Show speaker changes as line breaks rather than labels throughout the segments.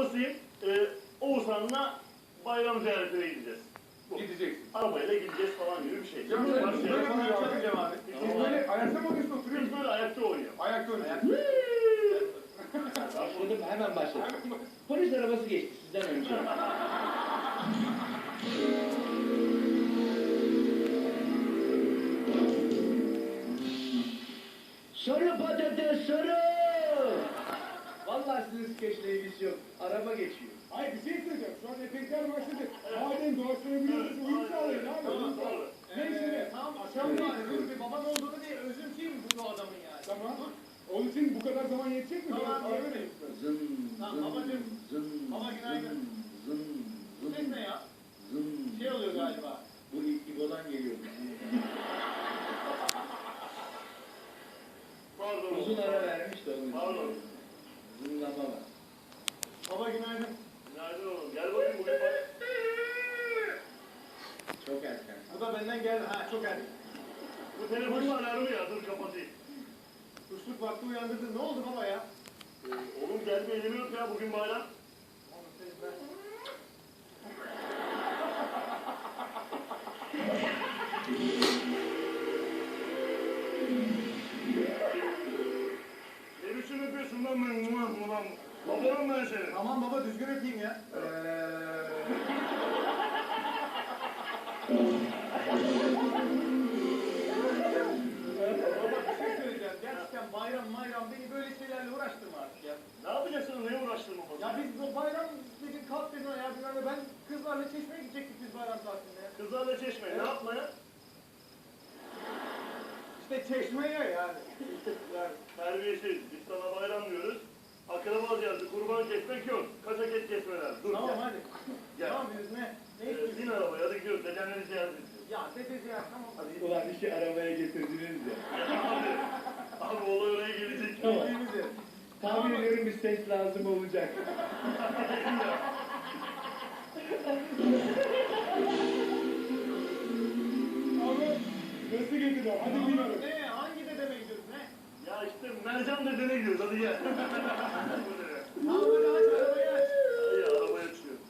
babasıyım. Oğuzhan'la bayram ziyaretine gideceğiz.
Gideceksin.
Arabayla gideceğiz falan gibi bir şey.
Ya böyle falan yapacağım abi. Siz böyle ayakta mı oynuyorsun, oturuyor
Biz
musun?
böyle ayakta oynuyoruz.
Ayakta oynuyorsun.
Başladım, hemen başladım. Polis arabası geçti sizden önce. Sarı patates sarı! Vallahi sizin skeçle ilgisi yok. Araba geçiyor.
Hayır bir şey söyleyeceğim. Şu an efektler başladı. Madem doğaçlayabiliyorsunuz, uyum sağlayın abi.
Tamam, doğru.
Neyse ne?
Tamam aşağı mı yani? Dur bir baban olduğunu diye özümseyim bu adamın yani.
Tamam. Onun için bu kadar zaman yetecek mi?
Tamam,
Biraz ara
yetecek.
verelim.
Zın,
Tamam,
zın,
babacığım.
zın,
Baba günaydın.
zın,
Bu
zın,
ses ne ya?
zın.
Şey oluyor galiba.
Bu İbo'dan geliyor.
Pardon.
Uzun ara vermiş de onun
Pardon.
için. Zınlama var.
Baba günaydın.
Günaydın oğlum. Gel bakayım bugün bak.
Çok erken.
Bu da benden geldi. Ha çok erken.
Bu telefonun alarmı ya. Dur kapatayım.
Kuşluk vakti uyandırdın. Ne oldu baba ya?
Oğlum gelme elimi yok ya. Bugün bayram.
Oğlum senin ben.
Ne biçim öpüyorsun lan ben? Ulan. Babanım ben senin.
Tamam baba düzgün öpeyim ya. Baba bir şey söyleyeceğim. Gerçekten bayram beni böyle şeylerle uğraştırma artık ya.
Ne yapacaksın? Neye uğraştırma baba?
Ya biz bu bayram dedin kalk dedin ya bilmem ne. Ben kızlarla çeşmeye gidecektik biz bayram tatilinde ya.
Kızlarla çeşme. Ne yapmaya?
İşte çeşmeye yani. Yani.
Terbiyesiz. Biz sana bayram diyoruz. Akraba ziyareti, kurban kesmek yok. Kaçak et kesmeler. Dur
Tamam
gel.
hadi.
Gel.
Ne yapıyoruz ne? Ne istiyorsun?
Bin arabaya hadi gidiyoruz. Dedenleri ziyaret edeceğiz.
Ya dedesi ya tamam hadi.
Ulan işi arabaya getirdiniz de.
Abi olay oraya gelecek.
Tamam.
Gittiğimiz yer.
Tahmin ediyorum bir ses lazım olacak.
Abi nasıl getirdiler? Hadi
Tamam,
bilmiyorum.
ne? Hangi dedeme gidiyoruz ne?
Ya işte Mercan dedene gidiyoruz. Hadi gel.
Tamam hadi aç arabayı aç.
İyi arabaya açıyor.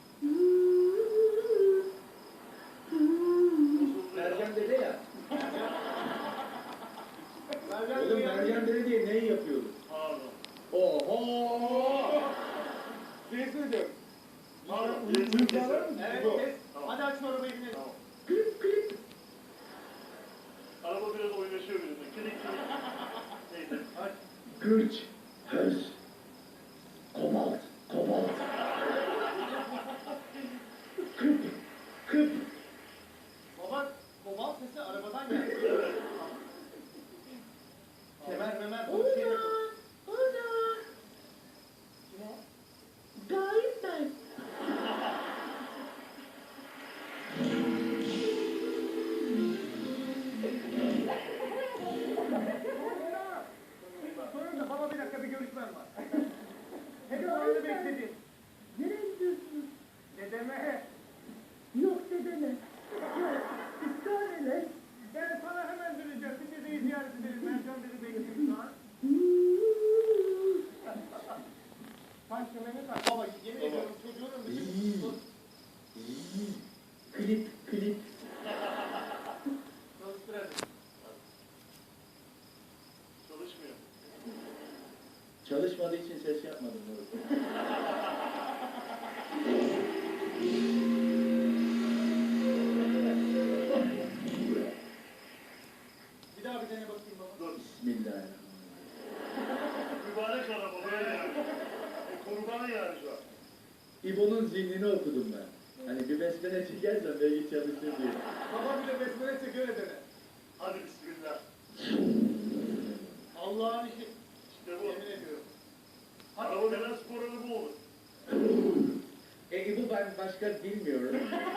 Mercan dede ya.
Mercan
Oğlum
ya.
Mercan dede diye neyi yapıyoruz?
Pardon.
Oho!
Bir şey söyleyeceğim.
Pardon.
Uyum sağlar mısın?
Evet
Bu.
kes.
Tamam.
Hadi açma arabayı binelim.
Tamam. Araba biraz oynaşıyor benimle. Kilik kilik. Neyse.
Aç.
Gürç, höz, kobalt, kobalt. Kıp, kıp.
Baba kobalt sesi arabadan geldi.
Evet.
Kemer memer bu şey de Kim o?
Gayip ben.
Sorun da baba bir dakika bir görüşmem var. Hep zamanını bekledim.
Nereye gidiyorsunuz?
Dedeme.
Yok dedene. Yok. Israr ele.
Ben sana hemen döneceğim. Bir dedeyi ziyaret edelim. Mercan dedi bekliyorum şu an. Sen kemerini tak. Baba yemin ediyorum çocuğunun bütün...
Klip, klip.
Çalıştır hadi.
Çalışmıyor.
Çalışmadığı için ses yapmadım. Moruk.
Bir daha bir dene bakayım baba.
Dur.
Bismillahirrahmanirrahim.
Mübarek araba böyle yani. Kurban yani şu an.
İbo'nun zihnini okudum ben. Hani bir besmele çekersen belki çalışır diye.
Baba bir de besmele çekiyor dene.
Hadi bismillah.
Allah'ın işi.
İşte bu.
Yemin ediyorum.
Araba denen spor araba olur.
İbo ben başka bilmiyorum.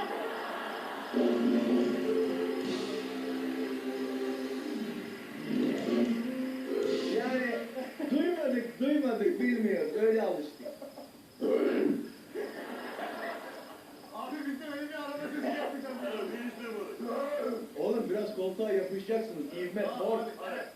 Yani duymadık bilmiyoruz. Öyle alıştık.
Abi biz de öyle bir araba sesi yapacağız.
Evet, bir işte bu.
Oğlum biraz koltuğa yapışacaksınız. İvmet,
Tamam,
mor.
hadi, hadi.